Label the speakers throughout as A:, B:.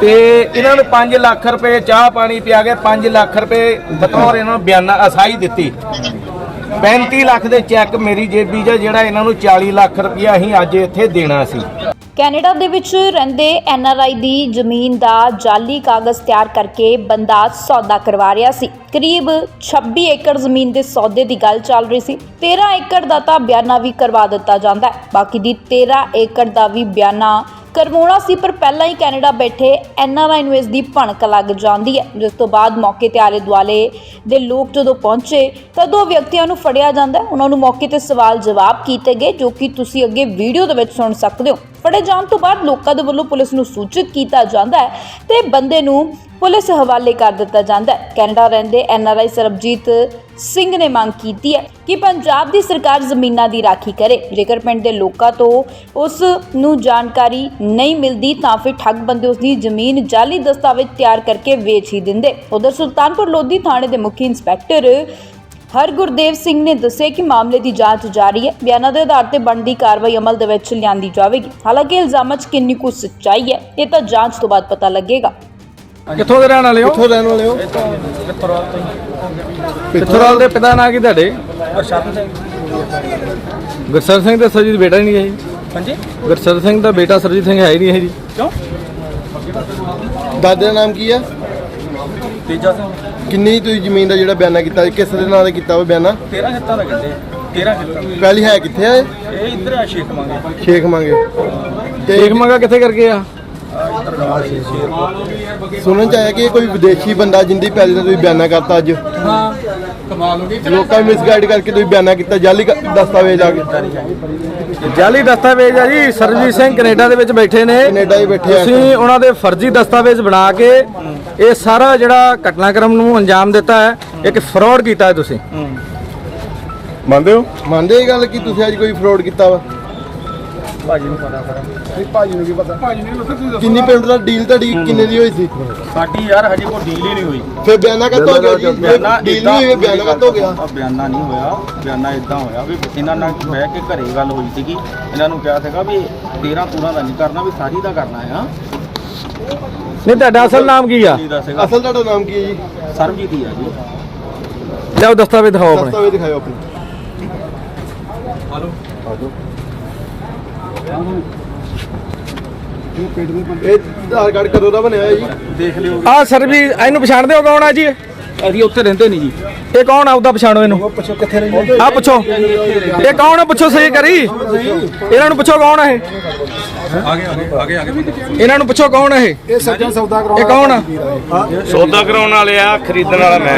A: ਤੇ ਇਹਨਾਂ ਨੂੰ 5 ਲੱਖ ਰੁਪਏ ਚਾਹ ਪਾਣੀ ਪਿਆ ਕੇ 5 ਲੱਖ ਰੁਪਏ ਬਤੌਰ ਇਹਨਾਂ ਨੂੰ ਬਿਆਨਾ ਅਸਾਈ ਦਿੱਤੀ। 35 ਲੱਖ ਦੇ ਚੈੱਕ ਮੇਰੀ ਜੇਬੀ 'ਚ ਜਿਹੜਾ ਇਹਨਾਂ ਨੂੰ 40 ਲੱਖ ਰੁਪਇਆ ਅਸੀਂ ਅੱਜ ਇੱਥੇ ਦੇਣਾ ਸੀ।
B: ਕੈਨੇਡਾ ਦੇ ਵਿੱਚ ਰਹਿੰਦੇ NRI ਦੀ ਜ਼ਮੀਨ ਦਾ ਜਾਲੀ ਕਾਗਜ਼ ਤਿਆਰ ਕਰਕੇ ਬੰਦਾ ਸੌਦਾ ਕਰਵਾ ਰਿਹਾ ਸੀ। ਕਰੀਬ 26 ਏਕੜ ਜ਼ਮੀਨ ਦੇ ਸੌਦੇ ਦੀ ਗੱਲ ਚੱਲ ਰਹੀ ਸੀ। 13 ਏਕੜ ਦਾ ਤਾਂ ਬਿਆਨਾ ਵੀ ਕਰਵਾ ਦਿੱਤਾ ਜਾਂਦਾ ਹੈ, ਬਾਕੀ ਦੀ 13 ਏਕੜ ਦਾ ਵੀ ਬਿਆਨਾ ਕਰਵਾਉਣਾ ਸੀ, ਪਰ ਪਹਿਲਾਂ ਹੀ ਕੈਨੇਡਾ ਬੈਠੇ NRI ਨੂੰ ਇਸ ਦੀ ਭਣਕ ਲੱਗ ਜਾਂਦੀ ਹੈ, ਜਿਸ ਤੋਂ ਬਾਅਦ ਮੌਕੇ ਤੇ ਆਲੇ ਦੁਆਲੇ ਦੇ ਲੋਕ ਜਦੋਂ ਪਹੁੰਚੇ ਤਾਂ ਦੋ ਵਿਅਕਤੀਆਂ ਨੂੰ ਫੜਿਆ ਜਾਂਦਾ। ਉਹਨਾਂ ਨੂੰ ਮੌਕੇ ਤੇ ਸਵਾਲ ਜਵਾਬ ਕੀਤੇ ਗਏ, ਜੋ ਕਿ ਤੁਸੀਂ ਅੱਗੇ ਵੀਡੀਓ ਦੇ ਵਿੱਚ ਸੁਣ ਸਕਦੇ ਹੋ। ਫੜੇ ਜਾਣ ਤੋਂ ਬਾਅਦ ਲੋਕਾਂ ਦੇ ਵੱਲੋਂ ਪੁਲਿਸ ਨੂੰ ਸੂਚਿਤ ਕੀਤਾ ਜਾਂਦਾ ਹੈ ਤੇ ਬੰਦੇ ਨੂੰ ਪੁਲਿਸ ਹਵਾਲੇ ਕਰ ਦਿੱਤਾ ਜਾਂਦਾ ਹੈ। ਕੈਨੇਡਾ ਰਹਿੰਦੇ NRI ਸਰਬਜੀਤ ਸਿੰਘ ਨੇ ਮੰਗ ਕੀਤੀ ਹੈ ਕਿ ਪੰਜਾਬ ਦੀ ਸਰਕਾਰ ਜ਼ਮੀਨਾਂ ਦੀ ਰਾਖੀ ਕਰੇ। ਜੇਕਰ ਪਿੰਡ ਦੇ ਲੋਕਾਂ ਤੋਂ ਉਸ ਨੂੰ ਜਾਣਕਾਰੀ ਨਹੀਂ ਮਿਲਦੀ ਤਾਂ ਫਿਰ ਠੱਗ ਬੰਦੇ ਉਸ ਦੀ ਜ਼ਮੀਨ ਜਾਲੀ ਦਸਤਾਵੇਜ਼ ਤਿਆਰ ਕਰਕੇ ਵੇਚ ਹੀ ਦਿੰਦੇ। ਉਧਰ ਸੁਲਤਾਨਪੁਰ ਲੋਧੀ ਥਾਣੇ ਦੇ ਮੁਖੀ ਇੰਸਪੈਕਟਰ ਹਰਗੁਰਦੇਵ ਸਿੰਘ ਨੇ ਦੱਸਿਆ ਕਿ ਮਾਮਲੇ ਦੀ ਜਾਂਚ ਜਾਰੀ ਹੈ। ਬਿਆਨਾਂ ਦੇ ਆਧਾਰ ਤੇ ਬਣਦੀ ਕਾਰਵਾਈ ਅਮਲ ਦੇ ਵਿੱਚ ਲਿਆਂਦੀ ਜਾਵੇਗੀ। ਹਾਲਾਂਕਿ ਇਲਜ਼ਾਮਾਂ 'ਚ ਕਿੰਨੀ ਕੁ ਸੱਚਾਈ ਹੈ ਇਹ ਤਾਂ ਜਾਂਚ ਤੋਂ ਬਾਅਦ ਪਤਾ ਲੱਗੇਗਾ।
A: ਕਿੱਥੋਂ ਦੇ ਰਹਿਣ ਵਾਲੇ ਹੋ?
C: ਕਿੱਥੋਂ ਰਹਿਣ ਵਾਲੇ ਹੋ?
A: ਪਿੱਥੋਰਾਲ ਦੇ ਪਿਤਾ ਨਾਂ ਕੀ ਤੁਹਾਡੇ?
C: ਗੁਰਸ਼ਰਨ ਸਿੰਘ।
A: ਗੁਰਸਰ ਸਿੰਘ ਦਾ ਸਰਜੀਤ ਬੇਟਾ ਹੀ ਨਹੀਂ ਹੈ ਜੀ?
C: ਹਾਂਜੀ।
A: ਗੁਰਸਰ ਸਿੰਘ ਦਾ ਬੇਟਾ ਸਰਜੀਤ ਸਿੰਘ ਹੈ ਹੀ ਨਹੀਂ ਹੈ ਜੀ?
C: ਕਿਉਂ?
D: ਦਾਦੇ ਦਾ ਨਾਮ ਕੀ ਆ?
C: ਤੇਜਾ ਸਿੰਘ।
D: ਕਿੰਨੀ ਤੁਸੀਂ ਜ਼ਮੀਨ ਦਾ ਜਿਹੜਾ ਬਿਆਨਾ ਕੀਤਾ ਕਿਸ ਦੇ ਨਾਂ ਤੇ ਕੀਤਾ ਉਹ ਬਿਆਨਾ?
C: 13 ਖੇਤਾਂ ਦਾ ਕਹਿੰਦੇ 13 ਖੇਤਾਂ।
D: ਪਹਿਲੀ ਹੈ ਕਿੱਥੇ ਆ ਇਹ?
C: ਇਹ ਇੱਧਰ ਆ ਸ਼ੇਖ ਮੰਗੇ।
D: ਸ਼ੇਖ ਮੰਗੇ।
A: ਦੇਖ ਮੰਗਾ ਕਿੱਥੇ ਕਰਕੇ ਆ?
C: ਇੱਧਰ ਨਾਲ ਸ਼ੇਰਪੁਰ।
D: ਸੁਣਨ ਚ ਆਇਆ ਕਿ ਇਹ ਕੋਈ ਵਿਦੇਸ਼ੀ ਬੰਦਾ ਜਿੰਦੀ ਪਹਿਲੇ ਦਾ ਤੁਸੀਂ ਬਿਆਨਾ ਕਰਤਾ ਅੱਜ।
C: ਹਾਂ, ਕਮਾਲ ਹੋ ਗਈ।
D: ਲੋਕਾਂ ਨੂੰ ਮਿਸਗਾਈਡ ਕਰਕੇ ਤੁਸੀਂ ਬਿਆਨਾ ਕੀਤਾ ਜਾਲੀ ਦਸਤਾਵੇਜ਼ ਆ ਕੇ।
A: ਜਾਲੀ ਦਸਤਾਵੇਜ਼ ਆ ਜੀ। ਸਰਜੀਤ ਸਿੰਘ ਕੈਨੇਡਾ ਦੇ ਵਿੱਚ ਬੈਠੇ ਨੇ।
D: ਕੈਨੇਡਾ ਹੀ ਬੈਠੇ ਆ।
A: ਤੁਸੀਂ ਉਹਨਾਂ ਦੇ ਫਰਜ਼ੀ ਦਸਤਾਵੇਜ਼ ਬਣਾ ਕੇ ਇਹ ਸਾਰਾ ਜਿਹੜਾ ਘਟਨਾਕ੍ਰਮ ਨੂੰ ਅੰਜਾਮ ਦਿੱਤਾ ਹੈ, ਇੱਕ ਫਰਾਡ ਕੀਤਾ ਹੈ ਤੁਸੀਂ। ਮੰਨਦੇ ਹੋ?
D: ਮੰਨਦੇ ਇਹ ਗੱਲ ਕਿ ਤੁਸੀਂ ਅੱਜ ਕੋਈ ਫਰਾਡ ਕੀਤਾ ਵਾ?
C: ਭਾਜੀ ਨੂੰ ਪਤਾ ਕਰਾਂ।
D: ਭਾਜੀ ਨੂੰ ਕੀ ਪਤਾ? ਕਿੰਨੀ ਪਿੰਡ ਦਾ ਡੀਲ ਤੁਹਾਡੀ ਕਿੰਨੇ ਦੀ ਹੋਈ ਸੀ?
C: ਸਾਡੀ ਯਾਰ ਹਜੇ ਕੋਈ ਡੀਲ ਹੀ ਨਹੀਂ ਹੋਈ।
D: ਫਿਰ ਬਿਆਨਾ ਕਦੋਂ ਹੋ ਗਿਆ ਜੀ?
C: ਬਿਆਨਾ
D: ਡੀਲ ਨਹੀਂ ਹੋਈ, ਬਿਆਨਾ ਕਦੋਂ ਹੋ ਗਿਆ?
C: ਬਿਆਨਾ ਨਹੀਂ ਹੋਇਆ। ਬਿਆਨਾ ਇਦਾਂ ਹੋਇਆ ਵੀ ਇਹਨਾਂ ਨਾਲ ਬਹਿ ਕੇ ਘਰੇ ਗੱਲ ਹੋਈ ਸੀਗੀ। ਇਹਨਾਂ ਨੂੰ ਕਿਹਾ ਸੀਗਾ ਵੀ 13 ਤੂਰਾਂ ਦਾ ਨਹੀਂ ਕਰਨਾ, ਵੀ ਸਾਰੀ ਦਾ ਕਰਨਾ ਆ।
A: ਨਹੀਂ, ਤੁਹਾਡਾ ਅਸਲ ਨਾਮ ਕੀ ਆ?
D: ਅਸਲ ਤੁਹਾਡਾ ਨਾਮ ਕੀ ਹੈ ਜੀ?
C: ਸਰਬਜੀਤ ਹੀ ਆ ਜੀ।
A: ਲਿਆਓ ਦਸਤਾਵੇਜ਼ ਦਿਖਾਓ ਆਪਣੇ।
D: ਦਸਤਾਵੇਜ਼ ਦਿਖਾਓ ਆਪਣੇ। ਇਹ ਆਧਾਰ ਕਾਰਡ ਕਦੋਂ ਦਾ ਬਣਿਆ ਹੈ ਜੀ?
C: ਦੇਖ ਲਿਓ।
A: ਆ ਸਰ ਵੀ ਇਹਨੂੰ ਪਛਾਣਦੇ ਹੋ ਕੌਣ ਆ ਜੀ?
C: ਅਸੀਂ ਉੱਥੇ ਰਹਿੰਦੇ ਨਹੀਂ ਜੀ।
A: ਇਹ ਕੌਣ ਆ? ਉਹਦਾ ਪਛਾਣੋ ਇਹਨੂੰ।
D: ਪੁੱਛੋ ਕਿੱਥੇ ਰਹਿੰਦੇ?
A: ਆ ਪੁੱਛੋ ਇਹ ਕੌਣ ਆ? ਪੁੱਛੋ ਸਹੀ ਕਰੀ। ਇਹਨਾਂ ਨੂੰ ਪੁੱਛੋ ਕੌਣ ਆ ਇਹ? ਇਹਨਾਂ ਨੂੰ ਪੁੱਛੋ ਕੌਣ ਆ ਇਹ?
D: ਇਹ ਸੱਜਣ ਸੌਦਾ
A: ਇਹ ਕੌਣ ਆ?
E: ਸੌਦਾ ਕਰਾਉਣ ਵਾਲੇ ਆ, ਖਰੀਦਣ ਵਾਲਾ ਮੈਂ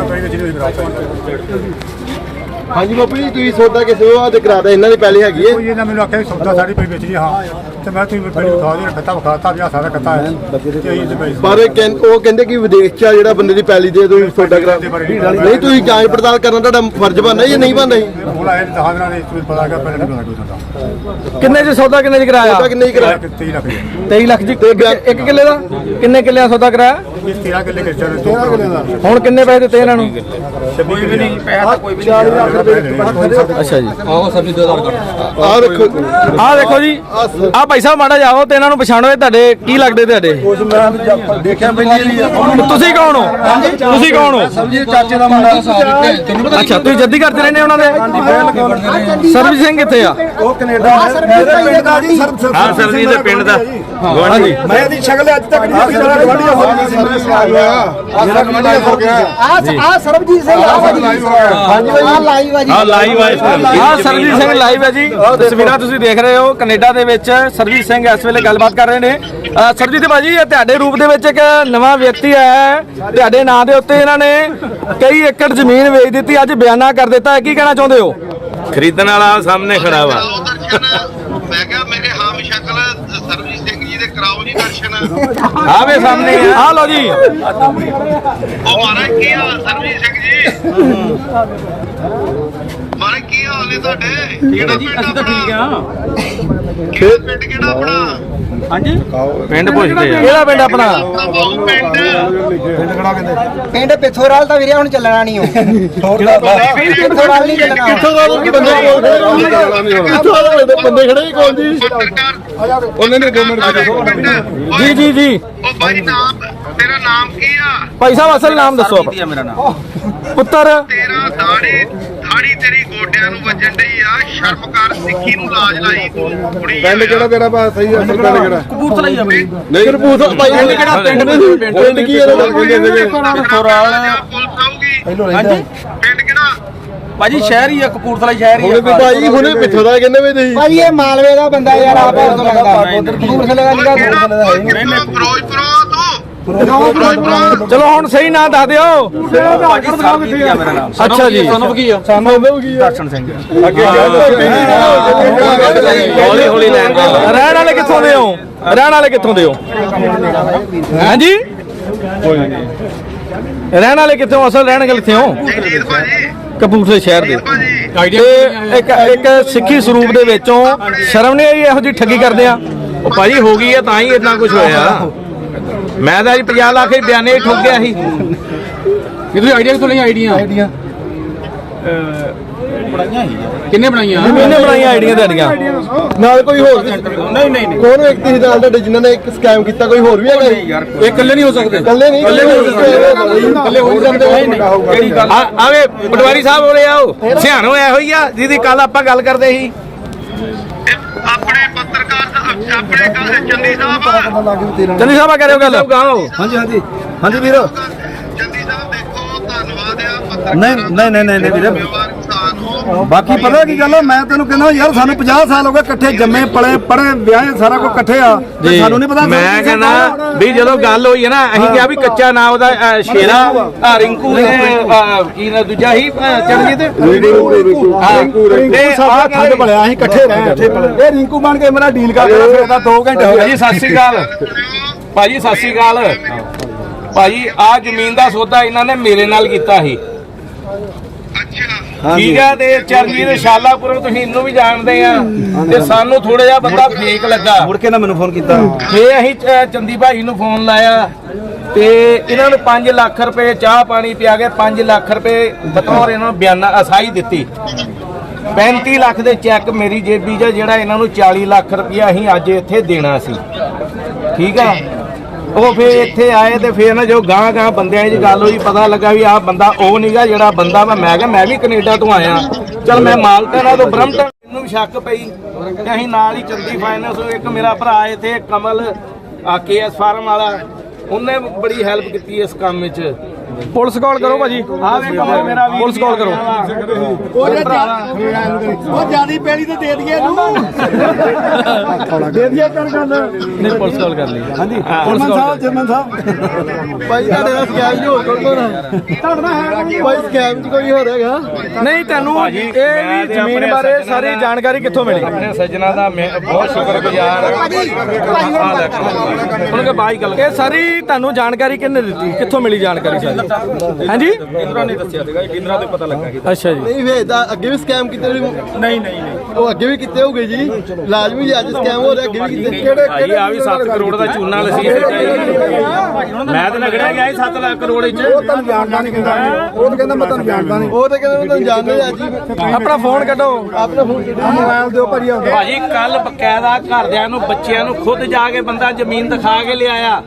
D: ਹਾਂਜੀ ਬਾਪੂ ਜੀ, ਤੁਸੀਂ ਸੌਦਾ ਕਿਸੇ ਉਹ ਤੇ ਕਰਾਦਾ ਇਹਨਾਂ ਦੀ ਪਹਿਲੀ ਹੈਗੀ ਹੈ?
F: ਕੋਈ ਇਹਨਾਂ ਮੈਨੂੰ ਆਖਿਆ ਸੌਦਾ ਸਾਡੀ ਪਈ ਵੇਚਣੀ। ਹਾਂ ਤੇ ਮੈਂ ਤੁਸੀਂ ਪਹਿਲੇ ਵਿਖਾ ਦੇ ਕੱਤਾ ਵਿਖਾਤਾ ਵੀ ਆ ਸਾਰਾ ਕੱਤਾ ਹੈ ਤੇ ਅਸੀਂ ਤੇ ਵੇਚ
D: ਪਰ ਉਹ ਕਹਿੰਦੇ ਕਿ ਵਿਦੇਸ਼ ਚ ਆ ਜਿਹੜਾ ਬੰਦੇ ਦੀ ਪਹਿਲੀ ਦੇ ਤੁਸੀਂ ਸੌਦਾ ਕਰਾ ਨਹੀਂ, ਤੁਸੀਂ ਜਾਂਚ ਪੜਤਾਲ ਕਰਨਾ ਤੁਹਾਡਾ ਫਰਜ਼ ਬਣਦਾ ਜਾਂ ਨਹੀਂ ਬਣਦਾ?
F: ਹੁਣ ਆਏ 10 ਦਿਨਾਂ ਦੇ ਵਿੱਚ ਪਤਾ ਲੱਗਾ ਪਹਿਲੇ ਨਹੀਂ ਪਤਾ ਕੋਈ ਸੌਦਾ।
A: ਕਿੰਨੇ ਚ ਸੌਦਾ ਕਿੰਨੇ ਚ ਕਰਾਇਆ?
D: ਸੌਦਾ ਕਿੰਨੇ ਹੀ ਕਰਾਇਆ?
F: 23 ਲੱਖ ਦੀ
A: 23 ਲੱਖ ਜੀ। ਇੱਕ ਕਿੱਲੇ ਦਾ ਕਿੰਨੇ ਕਿੱਲਿਆਂ ਦਾ ਸੌਦਾ ਕਰਾਇਆ?
F: 13 ਕਿੱਲੇ ਕਿੱਲੇ 13 ਕਿੱਲੇ ਦਾ।
A: ਹੁਣ ਕਿੰਨੇ ਪੈਸੇ ਦਿੱਤੇ ਇਹਨਾਂ ਨੂੰ?
C: ਕੋਈ ਵੀ ਨਹੀਂ ਪੈਸਾ ਤਾਂ ਕੋਈ ਵੀ ਨਹੀਂ।
A: ਅੱਛਾ ਜੀ।
D: ਆਹ ਦੇਖੋ,
A: ਆਹ ਦੇਖੋ ਜੀ। ਆਹ ਭਾਈ ਸਾਹਿਬ ਮਾੜਾ ਜਾਓ ਤੇ ਇਹਨਾਂ ਨੂੰ ਪਛਾਣੋ। ਇਹ ਤੁਹਾਡੇ ਕੀ ਲੱਗਦੇ? ਤੁਹਾਡੇ
D: ਦੇਖਿਆ ਪਹਿਲੀ
A: ਤੁਸੀਂ ਕੌਣ ਹੋ? ਤੁਸੀਂ ਕੌਣ ਹੋ?
D: ਚਾਚੇ ਦਾ ਮੁੰਡਾ।
A: ਅੱਛਾ, ਤੁਸੀਂ ਜੱਦੀ ਕਰਦੇ ਰਹਿੰਦੇ ਉਹਨਾਂ ਦੇ? ਸਰਬਜੀਤ ਸਿੰਘ ਕਿੱਥੇ ਆ?
D: ਉਹ ਕੈਨੇਡਾ
E: ਹਾਂ ਸਰਜੀਤ ਦੇ ਪਿੰਡ ਦਾ
A: ਹਾਂਜੀ।
D: ਮੈਂ ਇਹਦੀ ਸ਼ਕਲ ਅੱਜ ਤੱਕ ਨਹੀਂ ਦੇਖੀ। ਹੋ ਗਿਆ
G: ਆ ਸਰਬਜੀਤ ਸਿੰਘ ਹਾਂਜੀ ਆ ਲਾਈਵ ਆ ਜੀ।
E: ਹਾਂ ਲਾਈਵ ਆ।
A: ਆਹ ਸਰਜੀਤ ਸਿੰਘ ਲਾਈਵ ਹੈ ਜੀ। ਤਸਵੀਰਾਂ ਤੁਸੀਂ ਦੇਖ ਰਹੇ ਹੋ। ਕੈਨੇਡਾ ਦੇ ਵਿੱਚ ਸਰਜੀਤ ਸਿੰਘ ਇਸ ਵੇਲੇ ਗੱਲਬਾਤ ਕਰ ਰਹੇ ਨੇ। ਸਰਜੀਤ ਭਾਜੀ, ਇਹ ਤੁਹਾਡੇ ਰੂਪ ਦੇ ਵਿੱਚ ਇੱਕ ਨਵਾਂ ਵਿਅਕਤੀ ਆਇਆ ਹੈ। ਤੁਹਾਡੇ ਨਾਂ ਦੇ ਉੱਤੇ ਇਹਨਾਂ ਨੇ ਕਈ ਏਕੜ ਜ਼ਮੀਨ ਵੇਚ ਦਿੱਤੀ, ਅੱਜ ਬਿਆਨਾ ਕਰ ਦਿੱਤਾ ਹੈ। ਕੀ ਕਹਿਣਾ ਚਾਹੁੰਦੇ ਹੋ?
E: ਖਰੀਦਣ ਵਾਲਾ ਸਾਹਮਣੇ ਖੜਾ ਵਾ।
H: ਮੈਂ ਕਿਹਾ ਮੇਰੇ ਹਾਮ ਸ਼ਕਲ ਸਰਬਜੀਤ ਸਿੰਘ ਜੀ ਦੇ ਕਰਾਓ ਜੀ ਦਰਸ਼ਨ।
A: ਆਵੇ ਸਾਹਮਣੇ ਆ ਲਓ ਜੀ।
H: ਉਹ ਮਹਾਰਾਜ ਕੀ ਹਾਲ ਸਰਬਜੀਤ ਸਿੰਘ ਜੀ? ਮਹਾਰਾਜ ਕੀ ਹਾਲ ਨੇ ਤੁਹਾਡੇ? ਕਿਹੜਾ ਪਿੰਡ ਆਪਣਾ? ਖੇਤ ਪਿੰਡ ਕਿਹੜਾ ਆਪਣਾ?
C: ਹਾਂਜੀ
A: ਪਿੰਡ ਪੁੱਛਦੇ ਆ। ਕਿਹੜਾ ਪਿੰਡ ਆਪਣਾ?
H: ਬਾਹੂ ਪਿੰਡ।
G: ਪਿੰਡ ਪਿੱਥੋਰਾਲ ਤਾਂ ਵੀਰੇ ਹੁਣ ਚੱਲਣਾ ਨਹੀਂ ਉਹ। ਪਿੱਥੋਰਾਲ ਨਹੀਂ ਚੱਲਣਾ।
D: ਬੰਦੇ ਖੜੇ ਹੀ ਕੋਲ ਜੀ।
H: ਪੱਤਰਕਾਰ
D: ਉਹਨੇ ਨੇ 2 ਮਿੰਟ
A: ਜੀ ਜੀ ਜੀ ਜੀ
H: ਉਹ ਭਾਈ ਨਾਮ ਤੇਰਾ ਨਾਮ ਕੀ ਆ?
A: ਭਾਈ ਸਾਹਿਬ ਅਸਲ ਨਾਮ ਦੱਸੋ
C: ਸਰਬਜੀਤ ਆ ਮੇਰਾ ਨਾਮ।
A: ਪੁੱਤਰ
H: ਤੇਰਾ ਦਾੜੀ ਤੇਰੀ ਗੋਡਿਆਂ ਨੂੰ ਵੱਜਣ ਡਈ ਆ। ਸ਼ਰਮ ਕਰ, ਸਿੱਖੀ ਨੂੰ ਲਾਜ ਲਾਈ ਤੂੰ ਕੁੜੀ
D: ਪਿੰਡ ਕਿਹੜਾ ਤੇਰਾ ਬਾ ਸਹੀ ਅਸਲ ਪਿੰਡ ਕਿਹੜਾ?
C: ਕਪੂਰਥਲਾ ਹੀ ਆ ਬਈ।
D: ਨਹੀਂ ਕਪੂਰਥਲਾ ਭਾਈ ਪਿੰਡ ਕਿਹੜਾ? ਪਿੰਡ ਕੀ ਇਹਦਾ ਕਹਿੰਦੇ ਸੀਗੇ?
H: ਪੁਲਿਸ ਆਊਗੀ।
C: ਹਾਂਜੀ
H: ਪਿੰਡ ਕਿਹੜਾ?
C: ਭਾਜੀ ਸ਼ਹਿਰ ਹੀ ਆ, ਕਪੂਰਥਲਾ ਸ਼ਹਿਰ ਹੀ
D: ਹੁਣੇ ਵੀ ਭਾਈ ਹੁਣੇ ਪਿੱਛੋਂ ਦਾ ਕਹਿੰਦੇ ਵੀ ਤੁਸੀਂ
G: ਭਾਜੀ ਇਹ ਮਾਲਵੇ ਦਾ ਬੰਦਾ ਯਾਰ ਆਪ ਤੋਂ ਲੱਗਦਾ ਕਪੂਰਥਲੇ ਦਾ ਨਿਕਾ
H: ਕਿਹੜਾ
G: ਕਪੂਰਥਲੇ
H: ਫਿਰੋਜ਼ਪੁਰ ਤੂੰ?
A: ਚਲੋ ਹੁਣ ਸਹੀ ਨਾਂ ਦੱਸ ਦਿਓ।
C: ਭਾਜੀ ਸਰਬਜੀਤ ਆ ਮੇਰਾ ਨਾਮ।
A: ਅੱਛਾ ਜੀ
D: ਸਾਨੂੰ ਕੀ ਆ? ਸਾਨੂੰ ਕੀ ਆ?
C: ਦਰਸ਼ਨ ਸਿੰਘ।
D: ਅੱਗੇ
E: ਹੌਲੀ ਹੌਲੀ ਲੈਣ ਦੇ
A: ਰਹਿਣ ਵਾਲੇ ਕਿੱਥੋਂ ਦੇ ਹੋ? ਰਹਿਣ ਵਾਲੇ ਕਿੱਥੋਂ ਦੇ ਹੋ? ਹਾਂਜੀ ਰਹਿਣ ਵਾਲੇ ਕਿੱਥੋਂ? ਅਸਲ ਰਹਿਣ ਵਾਲੇ ਕਿੱਥੇ ਹੋ?
H: ਜਗਜੀਤ ਭਾਜੀ,
A: ਕਪੂਰਥਲੇ ਸ਼ਹਿਰ ਦੇ।
H: ਭਾਜੀ
A: ਤੇ ਇੱਕ ਸਿੱਖੀ ਸਰੂਪ ਦੇ ਵਿੱਚੋਂ ਸ਼ਰਮ ਨਹੀਂ ਆਈ ਇਹੋ ਜਿਹੀ ਠੱਗੀ ਕਰਦੇ ਆ?
E: ਉਹ ਭਾਜੀ ਹੋ ਗਈ ਆ ਤਾਂ ਹੀ ਇतना ਕੁਝ ਹੋਇਆ। ਮੈਂ ਤਾਂ ਜੀ 50 ਲੱਖ ਦੇ ਬਿਆਨੇ ਹੀ ਠੋਕ ਗਿਆ ਸੀ।
F: ਕਿਹਦੀ ਆਈਡੀਆ ਕਿਥੋਂ ਲਈ? ਆਈਡੀਆ
C: ਬਣਾਈਆਂ ਹੀ ਆ।
F: ਕਿੰਨੇ ਬਣਾਈਆਂ?
A: ਕਿਹਨੇ ਬਣਾਈਆਂ ਆਈਡੀਆਂ ਤੁਹਾਡੀਆਂ?
D: ਨਾਲ ਕੋਈ ਹੋਰ
C: ਨਹੀਂ ਨਹੀਂ ਨਹੀਂ
D: ਕੌਣ ਵਿਅਕਤੀ ਸੀ ਨਾਲ ਤੁਹਾਡੇ ਜਿਨ੍ਹਾਂ ਨੇ ਇੱਕ ਸਕੈਮ ਕੀਤਾ? ਕੋਈ ਹੋਰ ਵੀ ਹੈਗਾ ਜੀ?
C: ਯਾਰ
F: ਇਹ ਇਕੱਲੇ ਨਹੀਂ ਹੋ ਸਕਦੇ।
D: ਇਕੱਲੇ ਨਹੀਂ ਇਕੱਲੇ ਹੋ ਸਕਦੇ।
C: ਕਿਹੜੀ ਗੱਲ?
E: ਆਵੇ ਪਟਵਾਰੀ ਸਾਹਿਬ ਹੋਰੇ ਆਓ ਸਿਆਣੋ ਇਹੋ ਹੀ ਆ ਜਿਹਦੀ ਕੱਲ ਆਪਾਂ ਗੱਲ ਕਰਦੇ ਸੀ।
H: ਆਪਣੇ ਪੱਤਰਕਾਰ ਆਪਣੇ ਚੰਦੀ ਸਾਹਿਬ
A: ਚੰਨੀ ਸਾਹਿਬ ਆ ਕਰਿਓ ਗੱਲ।
C: ਹਾਂਜੀ ਹਾਂਜੀ ਹਾਂਜੀ ਵੀਰ।
H: ਚੰਦੀ ਸਾਹਿਬ ਦੇਖੋ, ਧੰਨਵਾਦ ਆ ਪੱਤਰਕਾਰ
C: ਨਹੀਂ ਵੀਰ।
H: ਜ਼ਿੰਮੇਵਾਰ ਇਨਸਾਨ ਹੋ।
F: ਬਾਕੀ ਪਤਾ ਕੀ ਗੱਲ ਆ, ਮੈਂ ਤੈਨੂੰ ਕਹਿੰਦਾ ਯਾਰ ਸਾਨੂੰ 50 ਸਾਲ ਹੋ ਗਏ ਇਕੱਠੇ ਜੰਮੇ ਪਲੇ ਪੜੇ ਵਿਆਹੇ ਸਾਰਾ ਕੁਝ ਇਕੱਠੇ ਆ ਤੇ ਸਾਨੂੰ ਨਹੀਂ ਪਤਾ।
E: ਮੈਂ ਕਹਿੰਦਾ ਵੀ ਜਦੋਂ ਗੱਲ ਹੋਈ ਹੈ ਨਾ ਅਸੀਂ ਕਿਹਾ ਵੀ ਕੱਚਾ ਨਾਮ ਉਹਦਾ ਸ਼ੇਰਾ ਰਿੰਕੂ ਨੇ ਕੀ ਨਾ ਦੂਜਾ ਹੀ ਚਰਨਜੀਤ
F: ਰਿੰਕੂ ਸਾਡਾ ਠੰਡ ਭਲਿਆ ਅਸੀਂ ਇਕੱਠੇ ਰਹੇ ਇੱਥੇ ਇਹ ਰਿੰਕੂ ਬਣ ਕੇ ਮੇਰਾ ਡੀਲ ਕਰਦਾ ਫਿਰਦਾ 2 ਘੰਟੇ ਹੋ ਗਏ।
E: ਭਾਜੀ ਸਤਿ ਸ੍ਰੀ ਅਕਾਲ। ਭਾਜੀ ਸਤਿ ਸ੍ਰੀ ਅਕਾਲ। ਭਾਜੀ ਆ ਜ਼ਮੀਨ ਦਾ ਸੌਦਾ ਇਹਨਾਂ ਨੇ ਮੇਰੇ ਨਾਲ ਕੀਤਾ ਸੀ।
H: ਅੱਛਾ,
E: ਠੀਕ ਹੈ। ਤੇ ਚਰਨਜੀਤ ਸ਼ਾਲਾਪੁਰੋਂ ਤੁਸੀਂ ਇਹਨੂੰ ਵੀ ਜਾਣਦੇ ਆ ਤੇ ਸਾਨੂੰ ਥੋੜਾ ਜਿਹਾ ਬੰਦਾ ਫੇਕ ਲੱਗਾ।
C: ਮੁੜ ਕੇ ਨਾ ਮੈਨੂੰ ਫੋਨ ਕੀਤਾ।
E: ਫੇ ਅਸੀਂ ਚੰਦੀ ਭਾਈ ਨੂੰ ਫੋਨ ਲਾਇਆ ਤੇ ਇਹਨਾਂ ਨੂੰ 5 ਲੱਖ ਰੁਪਏ ਚਾਹ ਪਾਣੀ ਪਿਆ ਕੇ 5 ਲੱਖ ਰੁਪਏ ਬਤੌਰ ਇਹਨਾਂ ਨੂੰ ਬਿਆਨਾ ਅਸਾਈ ਦਿੱਤੀ। 35 ਲੱਖ ਦੇ ਚੈੱਕ ਮੇਰੀ ਜੇਬੀ 'ਚ ਜਿਹੜਾ ਇਹਨਾਂ ਨੂੰ 40 ਲੱਖ ਰੁਪਇਆ ਅਸੀਂ ਅੱਜ ਇੱਥੇ ਦੇਣਾ ਸੀ। ਠੀਕ ਆ। ਉਹ ਫੇਰ ਇੱਥੇ ਆਏ ਤੇ ਫੇਰ ਨਾ ਜੋ ਗਾਂ ਬੰਦਿਆਂ 'ਚ ਗੱਲ ਹੋਈ ਪਤਾ ਲੱਗਾ ਵੀ ਆਹ ਬੰਦਾ ਉਹ ਨਹੀਂਗਾ ਜਿਹੜਾ ਬੰਦਾ ਮੈਂ ਕਿਹਾ ਮੈਂ ਵੀ ਕੈਨੇਡਾ ਤੋਂ ਆਇਆ। ਚਲ ਮੈਂ ਮਾਲਟਨ ਤੋਂ ਬਰਮਟਨ ਨੂੰ ਸ਼ੱਕ ਪਈ ਤੇ ਅਸੀਂ ਨਾਲ ਹੀ ਚੰਦੀ ਫਾਈਨੈਂਸ ਇੱਕ ਮੇਰਾ ਭਰਾ ਇੱਥੇ ਕਮਲ KS ਫਾਰਮ ਵਾਲਾ ਉਹਨੇ ਬੜੀ ਹੈਲਪ ਕੀਤੀ ਇਸ ਕੰਮ ਵਿੱਚ।
A: ਪੁਲਿਸ ਕਾਲ ਕਰੋ ਭਾਜੀ।
E: ਆਹ ਵੇ ਕਮਲ ਮੇਰਾ ਵੀਰ
A: ਪੁਲਿਸ ਕਾਲ ਕਰੋ।
F: ਉਹ ਜਿਆਦੀ ਪੈਲੀ ਤੇ ਦੇ ਦਈਏ ਇਹਨੂੰ ਦੇ ਦਈਏ ਕਰ ਗੱਲ।
A: ਨਹੀਂ ਪੁਲਿਸ ਕਾਲ ਕਰ ਲਈ। ਹਾਂਜੀ ਪੁਲਿਸ
F: ਜਰਮਨ
A: ਕਾਲ
F: ਸਾਹਿਬ ਜਰਮਨ ਸਾਹਿਬ
D: ਭਾਈ ਤੁਹਾਡੇ ਨਾਲ ਸਕੈਮ ਜੀ ਹੋਰ ਕੋਈ
F: ਤੁਹਾਡਾ ਹੈ
D: ਭਾਈ ਸਕੈਮ ਚ ਕੋਈ ਹੋਰ ਹੈਗਾ?
A: ਨਹੀਂ ਤੁਹਾਨੂੰ
E: ਭਾਜੀ,
A: ਇਹ
E: ਮੈਂ
A: ਵੀ
E: ਤੇ
A: ਜ਼ਮੀਨ
E: ਆਪਣੇ
A: ਬਾਰੇ
E: ਸੱਜਣਾ
A: ਸਾਰੀ
E: ਦਾ-
A: ਜਾਣਕਾਰੀ ਕਿੱਥੋਂ ਮਿਲੀ?
E: ਆਪਣੇ ਸੱਜਣਾ ਦਾ ਮੈਂ ਬਹੁਤ ਸ਼ੁਕਰਗੁਜ਼ਾਰ
A: ਉਹਨਾਂ ਕੇ ਬਾਈ ਗੱਲ ਇਹ ਸਾਰੀ ਤੁਹਾਨੂੰ ਜਾਣਕਾਰੀ ਕਿਹਨੇ ਦਿੱਤੀ? ਕਿੱਥੋਂ ਮਿਲੀ ਜਾਣਕਾਰੀ ਸਾਰੀ? ਹਾਂਜੀ
C: ਇੰਦਰਾ ਨੇ ਦੱਸਿਆ ਸੀਗਾ। ਇੰਦਰਾ ਤੋਂ ਪਤਾ ਲੱਗਾ ਕਿ
A: ਅੱਛਾ ਜੀ।
D: ਨਹੀਂ ਵੇ ਤਾਂ ਅੱਗੇ ਵੀ ਸਕੈਮ ਕੀਤੇ
C: ਨਹੀਂ
D: ਉਹ ਅੱਗੇ ਵੀ ਕੀਤੇ ਹੋਗੇ ਜੀ। ਲਾਜ਼ਮੀ ਜੀ ਅੱਜ ਸਕੈਮ ਹੋ ਰਿਹਾ ਅੱਗੇ ਵੀ ਕੀਤੇ। ਕਿਹੜੇ
E: ਭਾਈ ਆ ਵੀ 7 ਕਰੋੜ ਦਾ ਚੂਨਾ ਲਸੀ ਮੈਂ ਤਾਂ ਲੱਗੜਿਆ ਗਿਆ 7 ਲੱਖ ਕਰੋੜ ਵਿੱਚ।
F: ਉਹ ਤੁਹਾਨੂੰ ਜਾਣਦਾ ਨਹੀਂ ਕਹਿੰਦਾ। ਉਹ ਤਾਂ ਕਹਿੰਦਾ ਮੈਂ ਤੁਹਾਨੂੰ ਜਾਣਦਾ ਨਹੀਂ।
D: ਉਹ ਤਾਂ ਕਹਿੰਦੇ ਮੈਂ ਤੁਹਾਨੂੰ ਜਾਣਦੇ ਅੱਜ ਹੀ।
A: ਆਪਣਾ ਫੋਨ ਕੱਢੋ।
D: ਆਪਣਾ ਫੋਨ
F: ਮੋਬਾਈਲ ਦਿਓ ਭਾਜੀ ਆਉਂਦਾ।
E: ਭਾਜੀ ਕੱਲ ਬਕਾਇਦਾ ਘਰਦਿਆਂ ਨੂੰ ਬੱਚਿਆਂ ਨੂੰ ਖੁਦ ਜਾ ਕੇ ਬੰਦਾ ਜ਼ਮੀਨ ਦਿਖਾ ਕੇ ਲਿਆਇਆ।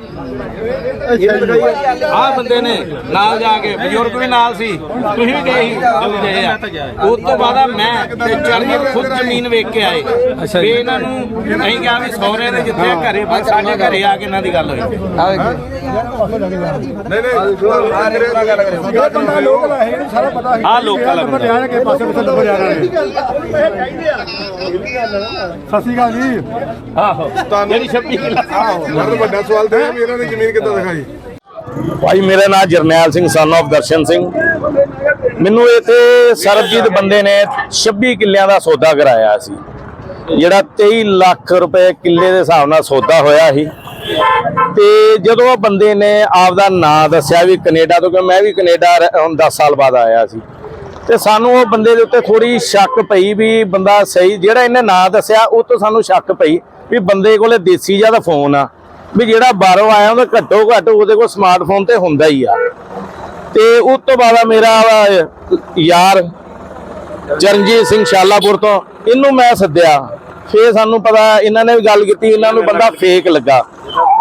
E: ਆਹ ਬੰਦੇ ਨੇ ਨਾਲ ਜਾ ਕੇ ਬਜ਼ੁਰਗ ਵੀ ਨਾਲ ਸੀ। ਤੁਸੀਂ ਵੀ ਗਏ ਸੀ ਜਦੋਂ ਗਏ ਆ। ਉਸ ਤੋਂ ਬਾਅਦ ਮੈਂ ਤੇ ਚਰਨਜੀਤ ਖੁਦ ਜ਼ਮੀਨ ਵੇਖ ਕੇ ਆਏ। ਵੀ ਇਹਨਾਂ ਨੂੰ ਅਸੀਂ ਕਿਹਾ ਵੀ ਸਹੁਰੇ ਦੇ ਜਿੱਥੇ ਘਰੇ ਬਸ ਸਾਡੇ ਘਰੇ ਆ ਕੇ ਇਹਨਾਂ ਦੀ ਗੱਲ ਹੋਈ।
F: ਇਹ ਬੰਦਾ ਲੋਕਲ ਹੈ ਇਹਨੂੰ ਸਾਰਾ ਪਤਾ ਹੈ।
E: ਆਹ ਲੋਕਲ ਹੈ ਬੰਦਾ।
F: ਜਾਣ ਕੇ ਪਾਸੇ ਪਿੱਛੇ ਤੋਂ ਜਾਣਾ ਨਹੀਂ। ਸਤਿ ਸ਼੍ਰੀ ਅਕਾਲ ਜੀ।
E: ਆਹੋ ਜਿਹੜੀ 26 ਕਿੱਲਾ
D: ਵੱਡਾ ਸਵਾਲ ਤੇ ਵੀ ਇਹਨਾਂ ਨੇ ਜ਼ਮੀਨ ਕਿੱਦਾਂ ਦਿਖਾਈ?
E: ਭਾਈ ਮੇਰਾ ਨਾਮ ਜਰਨੈਲ ਸਿੰਘ ਸਨ ਆਫ ਦਰਸ਼ਨ ਸਿੰਘ। ਮੈਨੂੰ ਇੱਥੇ ਸਰਬਜੀਤ ਬੰਦੇ ਨੇ 26 ਕਿੱਲਿਆਂ ਦਾ ਸੌਦਾ ਕਰਾਇਆ ਸੀ, ਜਿਹੜਾ 23 ਲੱਖ ਰੁਪਏ ਕਿੱਲੇ ਦੇ ਹਿਸਾਬ ਨਾਲ ਸੌਦਾ ਹੋਇਆ ਸੀ। ਤੇ ਜਦੋਂ ਉਹ ਬੰਦੇ ਨੇ ਆਪਦਾ ਨਾਂ ਦੱਸਿਆ ਵੀ ਕੈਨੇਡਾ ਤੋਂ, ਕਿ ਮੈਂ ਵੀ ਕੈਨੇਡਾ ਹੁਣ 10 ਸਾਲ ਬਾਅਦ ਆਇਆ ਸੀ, ਤੇ ਸਾਨੂੰ ਉਹ ਬੰਦੇ ਦੇ ਉੱਤੇ ਥੋੜੀ ਸ਼ੱਕ ਪਈ ਵੀ ਬੰਦਾ ਸਹੀ ਜਿਹੜਾ ਇਹਨੇ ਨਾਂ ਦੱਸਿਆ ਉਹ ਤੋਂ ਸਾਨੂੰ ਸ਼ੱਕ ਪਈ ਵੀ ਬੰਦੇ ਕੋਲੇ ਦੇਸੀ ਜਿਹਾ ਦਾ ਫੋਨ ਆ, ਵੀ ਜਿਹੜਾ ਬਾਹਰੋਂ ਆਇਆ ਉਹਦਾ ਘੱਟੋ ਘੱਟ ਉਹਦੇ ਕੋਲ ਸਮਾਰਟਫੋਨ ਤੇ ਹੁੰਦਾ ਹੀ ਆ। ਤੇ ਉਸ ਤੋਂ ਬਾਅਦ ਮੇਰਾ ਯਾਰ ਚਰਨਜੀਤ ਸਿੰਘ ਸ਼ਾਲਾਪੁਰ ਤੋਂ, ਇਹਨੂੰ ਮੈਂ ਸੱਦਿਆ। ਫੇਰ ਸਾਨੂੰ ਪਤਾ ਇਹਨਾਂ ਨੇ ਵੀ ਗੱਲ ਕੀਤੀ, ਇਹਨਾਂ ਨੂੰ ਬੰਦਾ ਫੇਕ ਲੱਗਾ।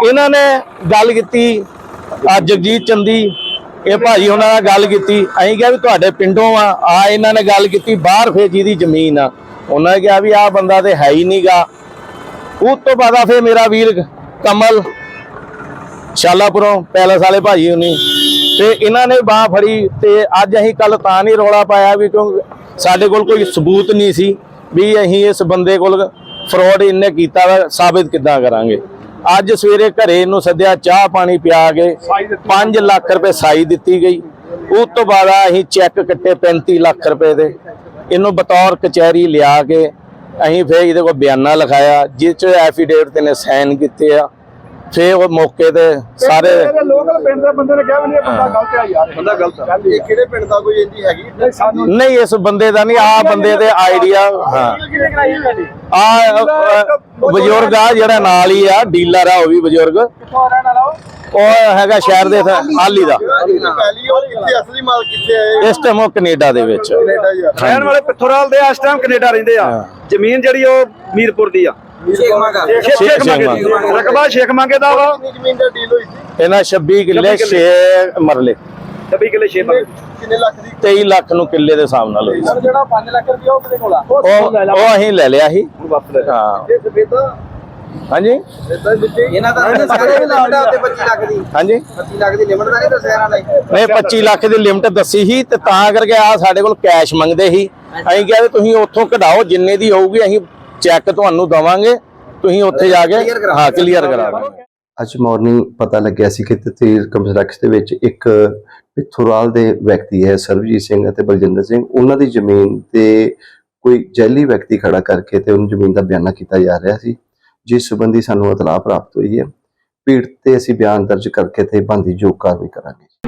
E: ਇਹਨਾਂ ਨੇ ਗੱਲ ਕੀਤੀ ਜਗਜੀਤ ਚੰਦੀ ਇਹ ਭਾਜੀ ਉਹਨਾਂ ਨਾਲ ਗੱਲ ਕੀਤੀ। ਅਸੀਂ ਕਿਹਾ ਵੀ ਤੁਹਾਡੇ ਪਿੰਡੋਂ ਆ ਇਹਨਾਂ ਨੇ ਗੱਲ ਕੀਤੀ ਬਾਹਰ ਫੇਰ ਜਿਹਦੀ ਜ਼ਮੀਨ ਆ ਉਹਨਾਂ ਨੇ ਕਿਹਾ ਵੀ ਆਹ ਬੰਦਾ ਤੇ ਹੈ ਹੀ ਨਹੀਂਗਾ। ਉਸ ਤੋਂ ਬਾਅਦ ਆ ਫੇਰ ਮੇਰਾ ਵੀਰ ਕਮਲ ਸ਼ਾਲਾਪੁਰੋਂ ਪੈਲਸ ਵਾਲੇ ਭਾਜੀ ਹੁਣੀ ਤੇ ਇਹਨਾਂ ਨੇ ਬਾਹ ਫੜੀ ਤੇ ਅੱਜ ਅਸੀਂ ਕੱਲ ਤਾਂ ਨਹੀਂ ਰੌਲਾ ਪਾਇਆ ਵੀ ਕਿਉਂਕਿ ਸਾਡੇ ਕੋਲ ਕੋਈ ਸਬੂਤ ਨਹੀਂ ਸੀ ਵੀ ਅਸੀਂ ਇਸ ਬੰਦੇ ਕੋਲ ਫਰਾਡ ਇਹਨੇ ਕੀਤਾ ਵਾ ਸਾਬਿਤ ਕਿੱਦਾਂ ਕਰਾਂਗੇ। ਅੱਜ ਸਵੇਰੇ ਘਰੇ ਇਹਨੂੰ ਸੱਦਿਆ ਚਾਹ ਪਾਣੀ ਪਿਆ ਕੇ 5 ਲੱਖ ਰੁਪਏ ਸਾਈ ਦਿੱਤੀ ਗਈ। ਉਸ ਤੋਂ ਬਾਅਦ ਅਸੀਂ ਚੈੱਕ ਕੱਟੇ 35 ਲੱਖ ਰੁਪਏ ਦੇ ਇਹਨੂੰ ਬਤੌਰ ਕਚਹਿਰੀ ਲਿਆ ਕੇ ਅਸੀਂ ਫਿਰ ਇਹਦੇ ਕੋਲ ਬਿਆਨਾ ਲਿਖਾਇਆ ਜਿਸ ਚ ਐਫੀਡੇਵਿਟ ਤੇ ਨੇ ਸਾਈਨ ਕੀਤੇ ਆ। ਫਿਰ ਉਹ ਮੌਕੇ ਤੇ ਸਾਰੇ
F: ਲੋਕਲ ਪਿੰਡ ਦੇ ਬੰਦੇ ਨੇ ਕਿਹਾ ਵੀ ਇਹ ਬੰਦਾ ਗਲਤ ਆ ਯਾਰ, ਬੰਦਾ ਗਲਤ ਆ।
D: ਇਹ ਕਿਹੜੇ ਪਿੰਡ ਦਾ ਕੋਈ ਇੰਦੀ ਹੈਗੀ?
E: ਨਹੀਂ ਇਸ ਬੰਦੇ ਦਾ ਨਹੀਂ ਆ ਬੰਦੇ ਦੇ ਆਈਡੀਆ। ਹਾਂ ਆ ਬਜ਼ੁਰਗ ਆ ਜਿਹੜਾ ਨਾਲ ਹੀ ਆ ਡੀਲਰ ਆ ਉਹ ਵੀ ਬਜ਼ੁਰਗ ਉਹ ਹੈਗਾ ਸ਼ਹਿਰ ਦੇ ਹਾਲੀ ਦਾ।
D: ਪਹਿਲੀ ਉਹ ਕਿੱਥੇ ਅਸਲੀ ਮਾਲ ਕਿੱਥੇ ਹੈ?
E: ਇਸ ਟਾਈਮ ਉਹ ਕੈਨੇਡਾ ਦੇ ਵਿੱਚ
F: ਰਹਿਣ ਵਾਲੇ ਪਿੱਥੋਰਾਲ ਦੇ ਇਸ ਟਾਈਮ ਕੈਨੇਡਾ ਰਹਿੰਦੇ ਆ। ਜ਼ਮੀਨ ਜਿਹੜੀ ਉਹ ਮੀਰਪੁਰ ਦੀ ਆ। ਰਕਬਾ ਸ਼ੇਖ ਮੰਗੇ ਦਾ ਵਾ।
D: ਜ਼ਮੀਨ ਦਾ ਡੀਲ ਹੋਈ ਸੀ
E: ਇਹਨਾਂ 26 ਕਿੱਲੇ 6 ਮਰਲੇ
F: 26 ਕਿੱਲੇ 6
D: ਕਿੰਨੇ ਲੱਖ ਦੀ?
E: 23 ਲੱਖ ਨੂੰ ਕਿੱਲੇ ਦੇ ਹਿਸਾਬ ਨਾਲ ਹੋਈ।
F: ਜਿਹੜਾ 5 ਲੱਖ ਰੁਪਇਆ ਉਹ ਕਿਹਦੇ ਕੋਲ ਆ?
E: ਉਹ ਅਸੀਂ ਲੈ ਲਿਆ ਸੀ। ਹਾਂ
F: ਇਹ ਸਵੇਤਾ
E: ਹਾਂਜੀ
G: ਇਹਨਾਂ ਦਾ ਸਾਰੇ ਵੀ ਲਿਮਟ ਆ ਤੇ 25 ਲੱਖ ਦੀ
E: ਹਾਂਜੀ
G: 25 ਲੱਖ ਦੀ ਲਿਮਟ ਦਾ ਨਹੀਂ ਦੱਸਿਆ ਇਹਨਾਂ ਨੇ।
E: ਨਹੀਂ 25 ਲੱਖ ਦੀ ਲਿਮਟ ਦੱਸੀ ਸੀ ਤੇ ਤਾਂ ਕਰਕੇ ਆ ਸਾਡੇ ਕੋਲ ਕੈਸ਼ ਮੰਗਦੇ ਸੀ। ਅਸੀਂ ਕਿਹਾ ਵੀ ਤੁਸੀਂ ਉੱਥੋਂ ਕਢਾਓ ਜਿੰਨੇ ਦੀ ਹੋਊਗੀ ਅਸੀਂ ਚੈੱਕ ਤੁਹਾਨੂੰ ਦਵਾਂਗੇ ਤੁਸੀਂ ਉੱਥੇ ਜਾ ਕੇ ਹਾਂ ਕਲੀਅਰ ਕਰਾ ਦਾਂਗੇ।
I: ਅੱਜ ਮਾਰਨਿੰਗ ਪਤਾ ਲੱਗਿਆ ਸੀ ਕਿ ਤਹਿਸੀਲ ਕੰਪਲੈਕਸ ਦੇ ਵਿੱਚ ਇੱਕ ਪਿੱਥੋਰਾਲ ਦੇ ਵਿਅਕਤੀ ਹੈ ਸਰਬਜੀਤ ਸਿੰਘ ਅਤੇ ਬਲਜਿੰਦਰ ਸਿੰਘ, ਉਹਨਾਂ ਦੀ ਜ਼ਮੀਨ ਤੇ ਕੋਈ ਜੈਲੀ ਵਿਅਕਤੀ ਖੜਾ ਕਰਕੇ ਤੇ ਉਹਨਾਂ ਜ਼ਮੀਨ ਦਾ ਬਿਆਨਾ ਕੀਤਾ ਜਾ ਰਿਹਾ ਸੀ, ਜਿਸ ਸੰਬੰਧੀ ਸਾਨੂੰ ਇਤਲਾਹ ਪ੍ਰਾਪਤ ਹੋਈ ਹੈ। ਪੀੜਤ ਤੇ ਅਸੀਂ ਬਿਆਨ ਦਰਜ ਕਰਕੇ ਤੇ ਬਣਦੀ ਜੋ ਕਾਰਵਾਈ ਕਰਾਂਗੇ।